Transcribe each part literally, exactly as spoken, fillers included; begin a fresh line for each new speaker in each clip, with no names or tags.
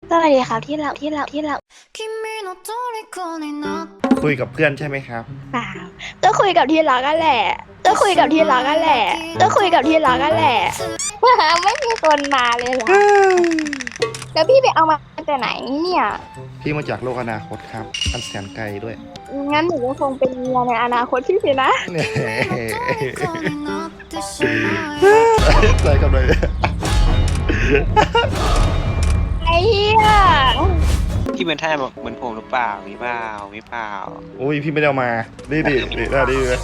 สวัสดีครับที่เราที่เราที่เรา
คุยกับเพื่อนใช่ไหมครับ
เปล่าก็คุยกับที่รักกันแหละก็คุยกับที่รักกันแหละก็คุยกับที่รักกันแหละไม่มีคนมาเลยเหรอแล้วพี่ไปเอามาจากไหนเนี่ย
พี่มาจากโลกอนาคตครับอันแสนไกลด้วย
งั้นหนูก็คงเป็นเมียในอนาคตพี่สินะ
เนี่ยใจกับเลย
ไอ้เหี้ย
พี่เป็นท่าเหมือนผมหรือเปล่ามีเปล่ามีเปล่า
อุ้ยพี่ไม่ได้เอามาดีดิดีได้ดีเลย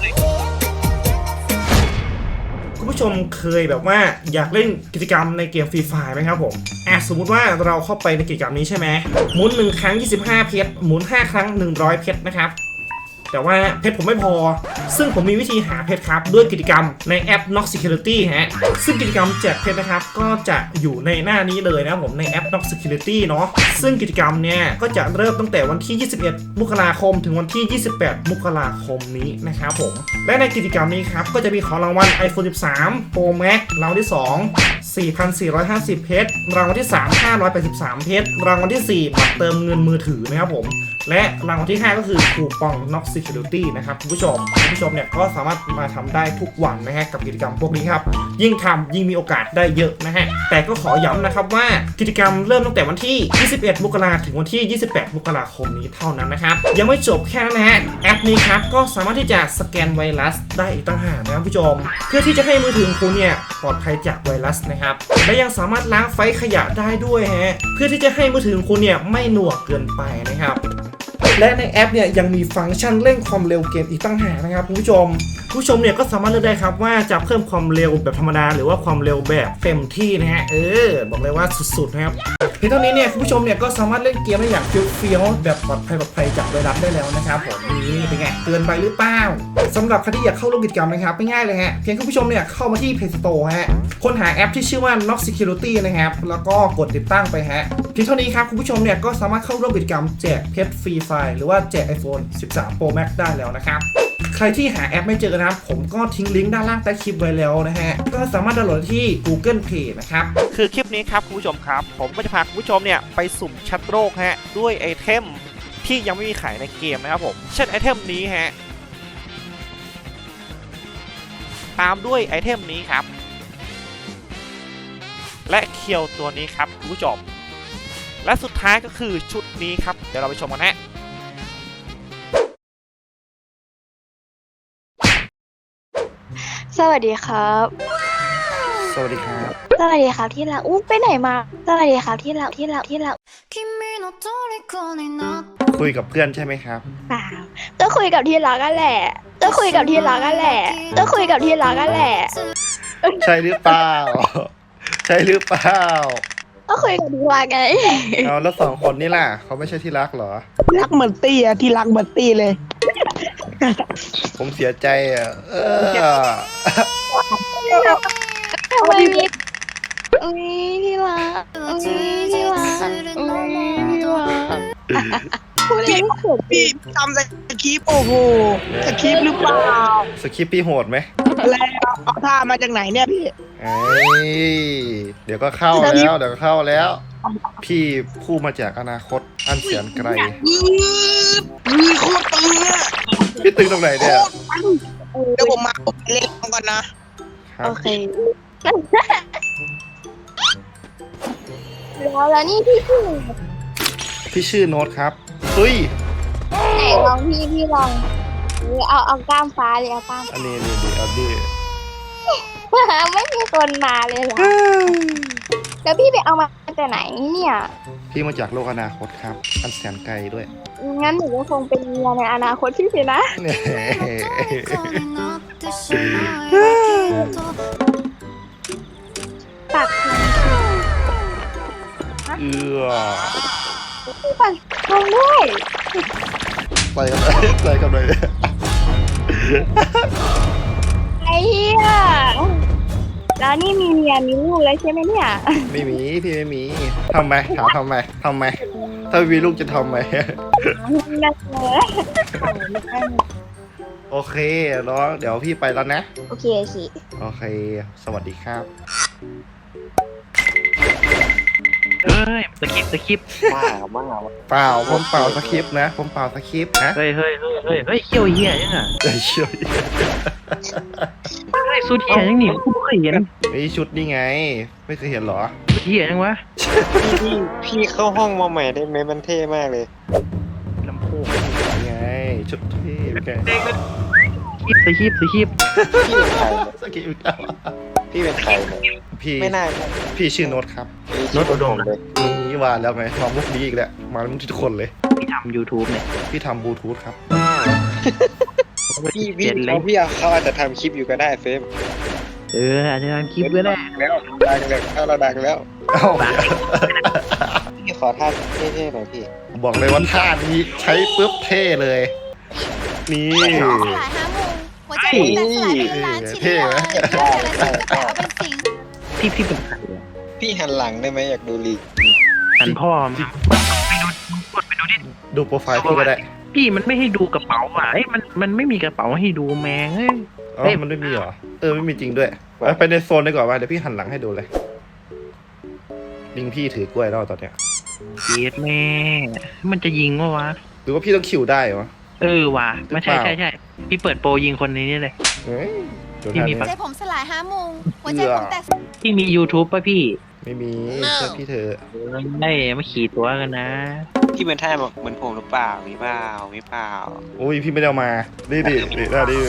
คุณผู้ชมเคยแบบว่าอยากเล่นกิจกรรมในเกมฟรีไฟไหมครับผมอ่ะสมมุติว่าเราเข้าไปในกิจกรรมนี้ใช่ไหมหมุนหนึ่งครั้งยี่สิบห้าเพชรหมุนห้าครั้งหนึ่งร้อยเพชรนะครับแต่ว่าเพชรผมไม่พอซึ่งผมมีวิธีหาเพชรครับด้วยกิจกรรมในแอป Nox Security ฮะซึ่งกิจกรรมแจกเพชรนะครับก็จะอยู่ในหน้านี้เลยนะครับผมในแอป Nox Security เนาะซึ่งกิจกรรมเนี่ยก็จะเริ่มตั้งแต่วันที่ยี่สิบเอ็ดมกราคมถึงวันที่ยี่สิบแปดมกราคมนี้นะครับผมและในกิจกรรมนี้ครับก็จะมีของรางวัล iPhone สิบสาม Pro Max รางวัลที่สอง สี่พันสี่ร้อยห้าสิบ เพชรรางวัลที่สาม ห้าร้อยแปดสิบสาม เพชรรางวัลที่สี่บัตรเติมเงินมือถือนะครับผมและรางวัลที่ห้าก็คือคูปอง Nox Security นะครับคุณผู้ชมคุณผู้ชมเนี่ยก็สามารถมาทำได้ทุกวันนะฮะกับกิจกรรมพวกนี้ครับยิ่งทำยิ่งมีโอกาสได้เยอะนะฮะแต่ก็ขอย้ำนะครับว่ากิจกรรมเริ่มตั้งแต่วันที่ยี่สิบเอ็ดมกราคมถึงวันที่ยี่สิบแปดมกราคมนี้เท่านั้นนะครับยังไม่จบแค่นั้นนะฮะแอปนี้ครับก็สามารถที่จะสแกนไวรัสได้อีกต่างหากนะครับผู้ชมเพื่อที่จะให้มือถือของคุณเนี่ยปลอดภัยจากไวรัสนะครับและยังสามารถล้างไฟล์ขยะได้ด้วยฮะเพื่อที่จะให้มือถือของคุณเนี่ยไม่หน่วงเกินไปนะครับและในแอปเนี่ยยังมีฟังก์ชันเร่งความเร็วเกมอีกตั้งหากนะครับคุณผู้ชมผู้ชมเนี่ยก็สามารถเลือกได้ครับว่าจะเพิ่มความเร็วแบบธรรมดาหรือว่าความเร็วแบบเต็มที่นะฮะเออบอกเลยว่าสุดๆนะครับเพียงเท่านี้เนี่ยคุณผู้ชมเนี่ยก็สามารถเล่นเกมได้อย่างเฟี้ยวๆแบบปลอดภัยปลอดภัยจากไวรัสได้แล้วนะครับผมนี่เป็นไงเตือนไปหรือเปล่าสำหรับใครที่อยากเข้าร่วมกิจกรรมนะครับไม่ง่ายเลยฮะเพียงคุณผู้ชมเนี่ยเข้ามาที่ Play Store ฮะค้นหาแอปที่ชื่อว่า Nox Security นะครับแล้วก็กดติดตั้งไปฮะเพียงเท่านี้ครับคุณผู้ชมเนี่ยก็สามารถเข้าร่วมกิจกรรมแจกเพชรฟรีไฟล์หรือว่าแจก iPhone สิบสาม Pro Max ได้แล้วนะครับใครที่หาแอปไม่เจอนะครับผมก็ทิ้งลิงก์ด้านล่างใต้คลิปไว้แล้วนะฮะก็สามารถดาวน์โหลดที่ Google Play นะครับ
คือคลิปนี้ครับคุณผู้ชมครับผมก็จะพาคุณผู้ชมเนี่ยไปสุ่มชัดโรคฮะด้วยไอเทมที่ยังไม่มีขายในเกมนะครับผมเช่นไอเทมนี้ฮะตามด้วยไอเทมนี้ครับและเคียวตัวนี้ครับคุณผู้ชมและสุดท้ายก็คือชุดนี้ครับเดี๋ยวเราไปชมกันฮะ
สวัสดีครับ
สวัสดีครับ
สวัสดีครับที่รักอู้ไปไหนมาสวัสดีครับที่รักที่รักที่รัก
คุยกับเพื่อนใช่ไหมครับ
เปล่าก็คุยกับที่รักกันแหละก็คุยกับที่รักกันแหละก็คุยกับที่รักกันแหละ
ใช่หรือเปล่าใช่หรือเปล่า
ก็คุยกับที่รักไง
เอาแล้วสองคนนี่ล่ะเขาไม่ใช่ที่รักเหรอ
รักเหมือนตี้อะที่รักเหมือนตี้เลย
ผมเสียใจอ่ะเออ
ทำไมมีอุ้ยที่รักอุ้ยที่รักอุ้ยที่รักพูดเองก็เขิน
พี่ทำสคริปต์โอ้โหสคริปต์หรือเปล่า
สคริปต์พี่โหดไหม
แล้วเอาท่ามาจากไหนเนี่ยพี่
เอ้ยเดี๋ยวก็เข้าแล้วเดี๋ยวก็เข้าแล้วพี่ผู้มาจากอนาคตอันแสนไกล
มีโคตรตึงอะ
พี่ตึงตรงไหนเนี่ย
เดี๋ยวผมมาเล่นก่อนนะ
โอเคแล้วแล้วนี่พี่ชื่อ
พี่ชื่อโน้ตครับเฮ้ย
ไหนลองพี่พี่ลองเอาเอากล้ามฟ้าเลยเอากล้าม
อันนี้นี่ดีเอาดิ
ไม่มีคนมาเลยเหรอแล้วพี่ไปเอามาจากไหนเนี่ย
พี่มาจากโลกอนาคตครับอันแสนไกลด้วย
งั้นหนูก็คงเป็นเมียในอนาคตพี่สินะปัก
เอือ
ปักทองด้วย
ไปกันเลยไปกันเลย
ไอ้เหี้ยแล้วนี่มีเมียมีลูกแล้วใช่ไหมเนี่ย
ไม่มีพี่ไม่มีทำไมถามทำไมทำไมถ้ามีลูกจะทำไมโอเคน้องเดี๋ยวพี่ไปแล้วนะ
โอเคโอเค
โอเคสวัสดีครับ
เฮ้ยสคริปต์สคริปต์
บ้าบ้า
เปล่าผมเปล่าสคริปต์นะผมเปล่าสคริปต์นะ
เฮ้ยเฮ้ยเฮ้ยเฮ้ยเฮ้ยเขี้ยวเหี้ยยังอ่ะ
เอ้ยเชี่ยว
เฮ้ยสุดเหี้ยยังนี่กูไม่เคยเห็น
ไอ้ชุดนี่ไง ไม่เคยเห็นเหรอ
สุดเหี้ยยังวะ
พี่พี่เข้าห้องมาใหม่ได้ไหมมันเท่มากเลย
ลำโพง
นี่ไงชุดที่แก
คลิปสคริปต์สคริปต์
พี่เป็นใครเนี่ย
สคริปต์แล้ว
พี่เป็นใครเนี่ย
พี่
ไม่น่า
พี่ชื่อโน้ตครับ
รถอุดมเลย
นี่ว่าแล้วไงมามุกนี้อีกแล้วมามุกทุกคนเลย
ที่ทำ YouTube เนี่ย
พี่ทำบลูทูธครับ
พี่พี่
เจ็ดเล
เขา
ย
พี่เขาอาจจะทำคลิปอยู่ก็ได้เฟม
เอออาจจะทำคลิปก็ได้
แล้วดังแล้วถ้าเราดังแล้ว
เอ้า
พี่ขอท่าเท่ๆหน่อยพี่
บอกเลยว่าท่านี้ใช้ปุ๊บเท่เลย นี่
สลายห้าโมงหัวใจผมแตกสลายเป็นล้านชิ้นเลยแต่ละชิ้นแต่ละเป็นสิ่ง
พี่พี่เป็นใครอะ
พี่หันหลังได้ไหมอยากดูลี
หันพ่อมา
ดูโปรไฟล์พี่ก็ได้
พี่มันไม่ให้ดูกระเป๋าอ่ะเอ้ยมันมันไม่มีกระเป๋าให้ดูแมงเอ้ย
อ๋อมันไม่มีเหรอ เออ ไม่มีจริงด้วยไปไปในโซนดีกว่าว่าเดี๋ยวพี่หันหลังให้ดูเลย ลิงพี่ถือกล้วยแล้วตอนเนี้ย
เย็ดแม่มันจะยิงวะวะ
หรือว่าพี่ต้องคิวได้วะ
เออว่ะไม่ใช่
หรือเปล่า
ใช่ใช่พี่เปิดโปรยิงคนนี้เลย
เฮ้ยเดี๋ยว
พี่
ทาง
มี
นี้
ปะ
ใจผมสลายห้าโมงหัวใจผมแตก
พี่มี YouTube ป่ะพี่
ไม่มีเชื่อพี่เธอะ
เออไม่มาขี่ตัวกันนะ
พี่เป็นท่าแบบเหมือนผมหรือเปล่ามีเปล่ามีเปล่า
โอ้ยพี่ไม่ได้เอามาดีดิดิได้ดีเลย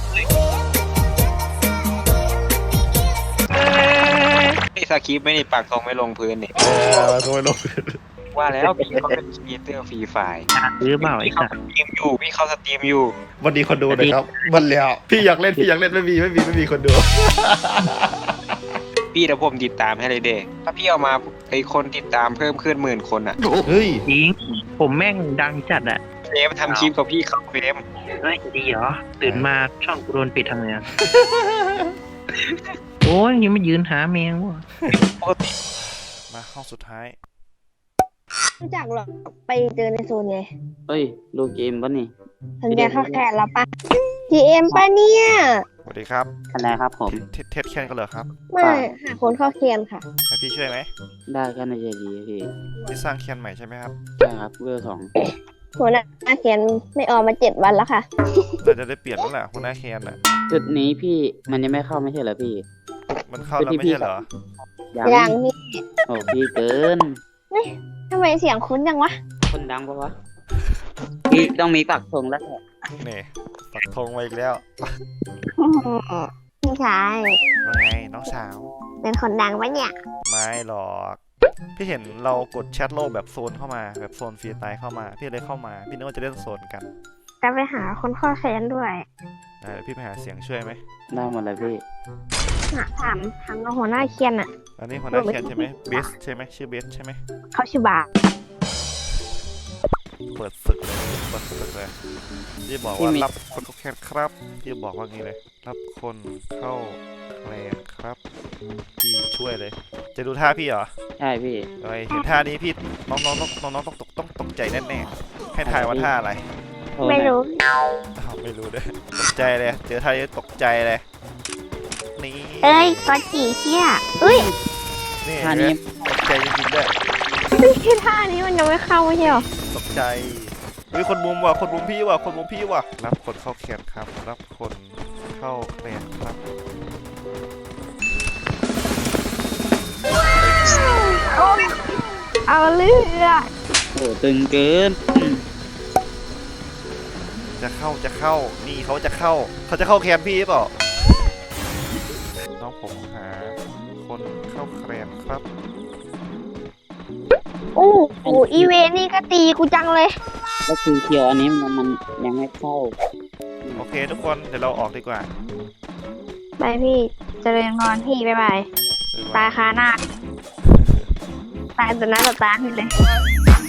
ไอ้สคริปต์ไม่ได้ปากตรงไม่ลงพื้นนี่
เออมาโซนลง
ว่าแล้วพี่เขาเป็นครีเอเตอร์ฟรีไฟล์
ซื้อเปล่าไอ้
พี่เขา
สั
ส
ส
ตรีมอยู่พี่เขาสตรีมอยู่
วันดีคนดูหนะครับวันแล้วพี่อยากเล่นพี่อยากเล่นไม่มีไม่มีไม่มีคนดู
พี่เดี๋ยวผมติดตามให้เลยเด้ถ้าพี่เอามาไอคนติดตามเพิ่มขึ้นหมื่นคนอ่ะ
เฮ้ย
จริงผมแม่งดังจัดอะ
เฟรมทำคลิปกับพี่เขาเฟรม
เฮ้ยดีเหรอตื่นมาช่องกูโดนปิดทำไงอะ โอ้ยยังไม่ยืนหาแมงวะ
ปกติ
มาห้องสุดท้าย
รู้จักหรอกไปเจอในโซนไง
เฮ้ยลูกเกมปะนี่
สัญญาเข้าแขนแล้วปะ จี เอ็ม ปะเนี่ย
สวัสดีครับ
อะไรครับผม
เทเทสแคนกันเหรอครับ
ไม่หาคนเข้าเคียนค่ะ
ให้พี่ช่วยไหม
ได้ก็น่าจะดีพี่
พี่สร้างแคนใหม่ใช่ไหมครับ
ใช่ครับเวลสอง
หัวหน้าเคียนไม่ออกมาเจ็ดวันแล้วค่ะ
เราจะได้เปลี่ยนแล้วแหละหัวหน้าแคนอ่ะ
จุดนี้พี่มันยังไม่เข้าไม่ใช่เหรอพี่
มันเข้าแล้วไม่ใช่เหรอ
ยัง
อย่างนี้
โอ้พี่เกิน
ทำไมเสียงคุ้นจังวะ
คนดังปะวะพี่ต้องมีปักธงแล้วแหละ
นี่ปักธงไว้อีกแล้ว
พี่ชาย
ว่าไงน้องสาว
เป็นคนดังปะเนี่ย
ไม่หรอก พี่เห็นเรากดแชทโลกแบบโซนเข้ามาแบบโซนฟรีไตล์เข้ามาพี่เลยเข้ามาพี่นึกว่าจะเล่นโซนกัน
จะไปหาคนเข้าแคนด้วย
ได้เดี๋ยวพี่ไปหาเสียงช่วยไหม
ได้หมดเลยพี่
หาถามถามกับหัวหน้าเคียนอะ
อันนี้หัวหน้าแคนใช่ไหมเบสใช่ไหมชื่อเบสใช่ไหม
เขาชื่อบา
เปิดศึกเลยเปิดศึกเลยพี่บอกว่ารับคนเข้าแคนครับพี่บอกว่างี้เลย รับคนเข้าแคนครับพี่ช่วยเลย จะดูท่าพี่เหรอ
ใช่พี่
เฮ้ยเห็นท่านี้พี่น้องๆต้องน้องๆต้องตกต้องตกใจแน่ๆให้ทายว่าท่าอะไร
โทษ
ไม่
นะ
รู้
อ้าวไม่รู้ด้วยตกใจเลยเจอท่านี้ตกใจเลยนี่
เอ้ยกอจีเชี่ยอุ้ย
นี่
ท่านี้
ตกใจจริงๆด้วย
ที่ท่านี้มันยังไม่เข้าไม่ใช่หรอ
ตกใจเฮ้ยคนมุมว่ะคนมุมพี่ว่ะคนมุมพี่ว่ะรับคนเข้าแคนครับ รับคนเข้าแคนครับ
เอาเลือด
โอ้ตึงเกินอืม
จะเข้าจะเข้านี่เขาจะเข้าเขาจะเข้าแคนพี่หรือเปล่าน้องผมหาคนเข้าแคนครับ
อู้หูอีเวนนี่ก็ตีกูจังเลย
แล้วคือเคียวอันนี้มันมันยังไม่เข้า
โอเคทุกคนเดี๋ยวเราออกดีกว่า
ไปพี่เจริญพรพี่บ๊ายบาย
บ๊าย
ตา
บาย
คาหน้า ตายต่อหน้าต่อตาพี่เลย
เ